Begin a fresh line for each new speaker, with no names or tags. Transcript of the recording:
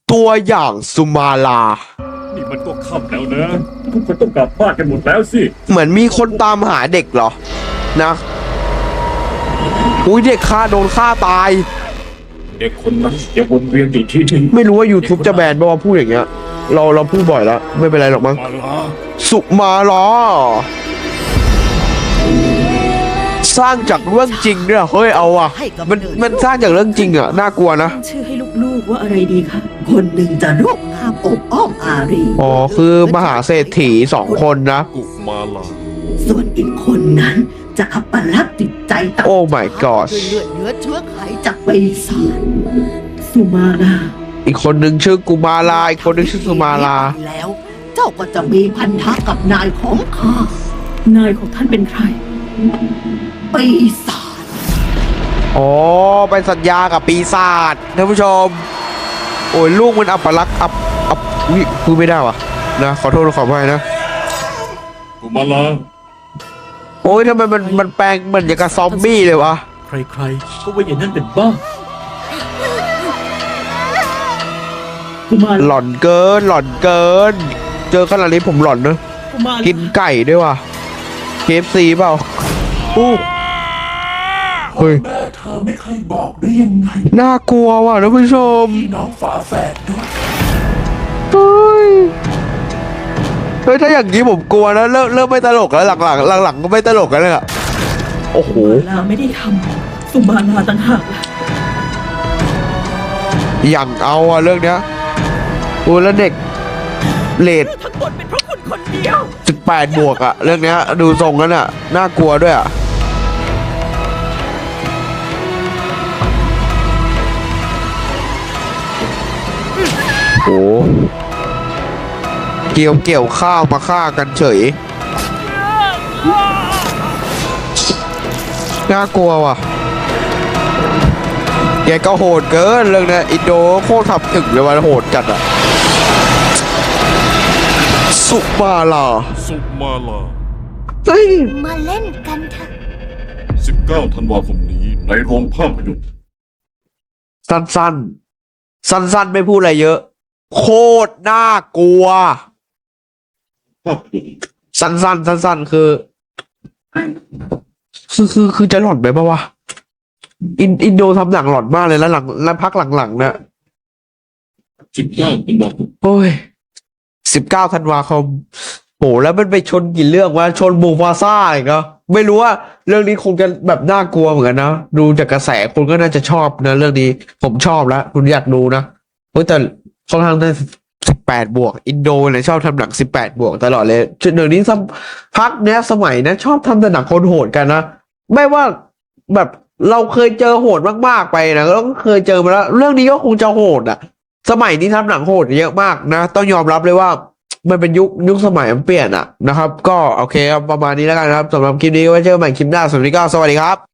ตัวอย่างสุมาลา
นี่มันก็ค่ำแล้วนะทุกคนต้องกลับบ้านกันหมดแล้วสิ
เหมือนมีคนตามหาเด็กเหรอนะอุ้ยเด็กโดนฆ่าตาย
เด็กคนนั้นอย่าวนเวียนอยู่ที่นี่
ไม่รู้ว่า YouTube จะแบนป่าวพูดอย่างเงี้ยเราพูดบ่อยแล้วไม่เป็นไรหรอกมั้งสุมาลาสร้างจากเรื่องจริงด้วยเฮ้ยเอาอ่ะมันสร้างจากเรื่องจริงอ่ะน่ากลัวนะ
ชื่อให้ลูกๆว่าอะไรดีคะคนหนึ่งจะรูปงามอบอ้อมอารี
อ๋อคือมหาเศรษฐี2 คนนะ
กุมาลา
ส่วนอีกคนนั้นจะอัปลักษณ์จิตใจต่าง
โอ้ my god
ด้วยเลือดเนื้อเชื้อไขจากปีศาจสุมาลา
อีกคนหนึ่งชื่อกุมาลาอีกคนหนึ่งชื่อสุมาลา
แล้วเจ้าก็จะมีพันธะกับนายของข้านายของท่านเป็นใครปีศาจ
อ๋อไปสัญญากับปีศาจท่านผู้ชมโอ้ยลูกมันอัปลักษณ์พูดไม่ได้วะนะขอโทษขออภัยนะ
กุมาลา
โอ้ยทำไมมันแปลงเหมือนอย่างกับซอมบี้เลยวะ
ใครๆก็ว่าอย่างนั้นเป็นบ้า
หลอนเกินเจอขนาดนี้ผมหลอนนะกินไก่ด้วยว่ะ KFC เปล่าเฮ้ย
เธอไม่เคยบอกได้ยังไง
น่ากลัวว่ะท่านผู้ชม
พี่น้องฝาแฝดด้วย
เฮ้ยถ้าอย่างนี้ผมกลัวนะเริ่มไม่ตลกแล้วหลังก็ไม่ตลกแล้วอะโอ้โห
สุมาลาไม่ได้ทำสุมาลาต่างหาก
อย่างเอาอะเรื่องเนี้ยโอ้แล้วเด็กเลด
ทั้งหมดเป็นเพราะคุณคนเดียว
18 บวกอะเรื่องเนี้ยดูทรงนั้นอะน่ากลัวด้วยอะโอ้เกี่ยวข้าวมาฆ่ากันเฉยน่ากลัวว่ะแกก็โหดเกินเรื่องนี้อินโดโคตรทำถึงเลยว่าโหดจัดอะสุมาลาเฮ้ย
มาเล่นกันเถอะ
19 ธันวาคมนี้ในโรงภาพยนตร์
สั้นไม่พูดอะไรเยอะโคตรน่ากลัวสั้นคือจะหลอนไปปะวะอินโดทำหนังหลอนมากเลยแล้วพักหลังๆเนี่ย
19 ธันวาคม
โอ้ย19 ธันวาคมโหแล้วมันไปชนกี่เรื่องวะชนมูฟาซ่าอีกเนาะไม่รู้ว่าเรื่องนี้คงจะแบบน่ากลัวเหมือนกันนะดูจากกระแสคนก็น่าจะชอบนะเรื่องนี้ผมชอบแล้วคุณอยากดูนะแต่ค่อนข้างได้18 บวกอินโดเนี่ยชอบทำหนัง18 บวกตลอดเลยเดี๋ยวนี้พักเนี้ยสมัยนะชอบทำแต่หนังคนโหดกันนะไม่ว่าแบบเราเคยเจอโหดมากๆไปนะแล้วก็เคยเจอมาแล้วเรื่องนี้ก็คงจะโหดอ่ะสมัยนี้ทำหนังโหดเยอะมากนะต้องยอมรับเลยว่ามันเป็นยุคสมัยมันเปลี่ยนอ่ะนะครับก็โอเคครับประมาณนี้แล้วกันครับสำหรับคลิปนี้ไว้เจอกันใหม่คลิปหน้าสวัสดีครับ